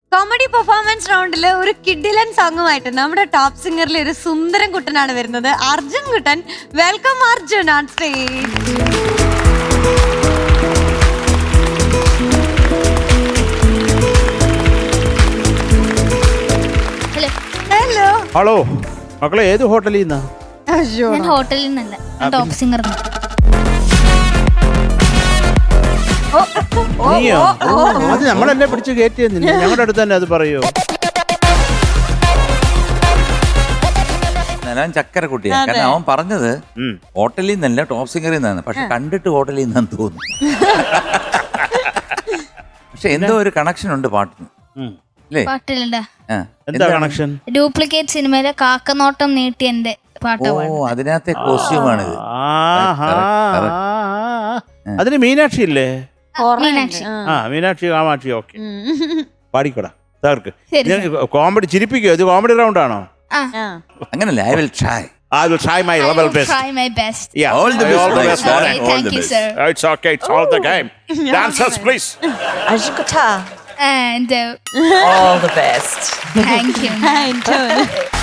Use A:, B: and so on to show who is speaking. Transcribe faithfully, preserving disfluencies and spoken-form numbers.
A: Comedy performance റൗണ്ടില് ഒരു കിഡിലൻ സോങ്ങുമായിട്ട് നമ്മുടെ ടോപ്പ് സിംഗറിലെ ഒരു സുന്ദരൻ കുട്ടനാണ് വരുന്നത്. Arjun Kuttan. Welcome Arjun on stage. Hello.
B: Hello മക്കളെ, ഏത് ഹോട്ടലിൽ നിന്നാ?
C: ഞാൻ ഹോട്ടലിൽ നിന്നല്ല, ടോപ്പ് സിംഗർ.
B: നീയോ? അത് നമ്മളെന്നെ പിടിച്ച് കയറ്റിയെന്നില്ല, ഞങ്ങളുടെ അടുത്ത് തന്നെ അത് പറയൂ.
D: ഞാൻ ചക്കര കുട്ടിയാണ്. കാരണം അവൻ പറഞ്ഞത് ഹോട്ടലിൽ നിന്നല്ല ടോപ്പ് സിംഗറിൽ നിന്നാണ്, പക്ഷെ കണ്ടിട്ട് ഹോട്ടലിൽ നിന്നാന്ന് തോന്നുന്നു. പക്ഷെ എന്തോ ഒരു കണക്ഷൻ ഉണ്ട് പാട്ടിന്.
C: പാട്ടിലുണ്ട്.
B: എന്താ കണക്ഷൻ?
C: ഡ്യൂപ്ലിക്കേറ്റ് സിനിമയിലെ കാക്കനോട്ടം നീട്ടി എന്റെ പാട്ട്.
D: ഓ, അതിനകത്തെ കോസ്റ്റ്യൂമാണിത്.
B: അതിന് മീനാക്ഷി ഇല്ലേ?
C: മീനാക്ഷി.
B: ആ, മീനാക്ഷി കാമാക്ഷി. ഓക്കെ, പാടിക്കോടാ തകർക്ക്. കോമഡി ചിരിപ്പിക്കോ? ഇത് കോമഡി റൗണ്ട് ആണോ?
D: അങ്ങനല്ല. I will try.
B: I will try my level best.
C: Try my best.
B: Yeah.
D: All the best.
B: All the best.
C: Okay, thank you, sir.
B: It's okay. It's all the game. Dancers, please.
E: Arjun Kutta.
C: And uh,
E: All the best.
C: thank you.